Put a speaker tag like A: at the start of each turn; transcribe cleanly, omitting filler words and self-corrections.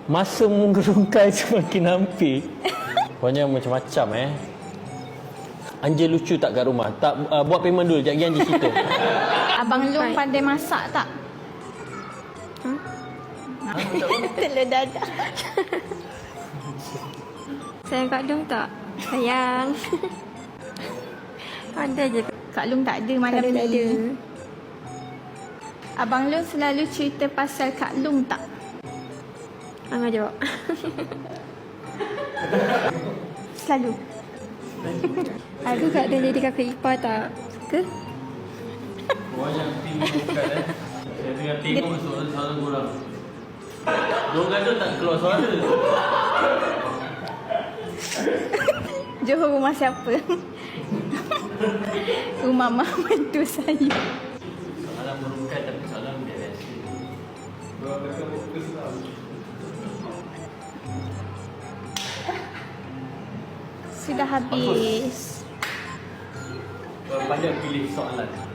A: Masa menggerungkai semakin hampir. Pokoknya macam-macam Anja lucu tak kat rumah? Tak, buat payment dulu. Sekejap lagi Anja cerita.
B: Abang Long pandai masak tak? Telur dadah.
C: Sayang Kak Long tak? Sayang. Pandai je.
B: Kak Long tak ada malam
C: Kak Long
B: ni.
C: tak ada.
B: Abang Long selalu cerita pasal Kak Long tak?
C: Angah jawab.
B: Selalu.
C: Aku Kak Long jadi kakak ipar tak? Ke?
A: Korang yang tengok bukan Saya tengah tengok suara korang. Diorang kata tak keluar suara.
B: Johor rumah siapa? Rumah mak mentua saya.
A: Soalan merungkai tapi soalan beres.
B: Sudah habis.
A: Pandai pilih soalan.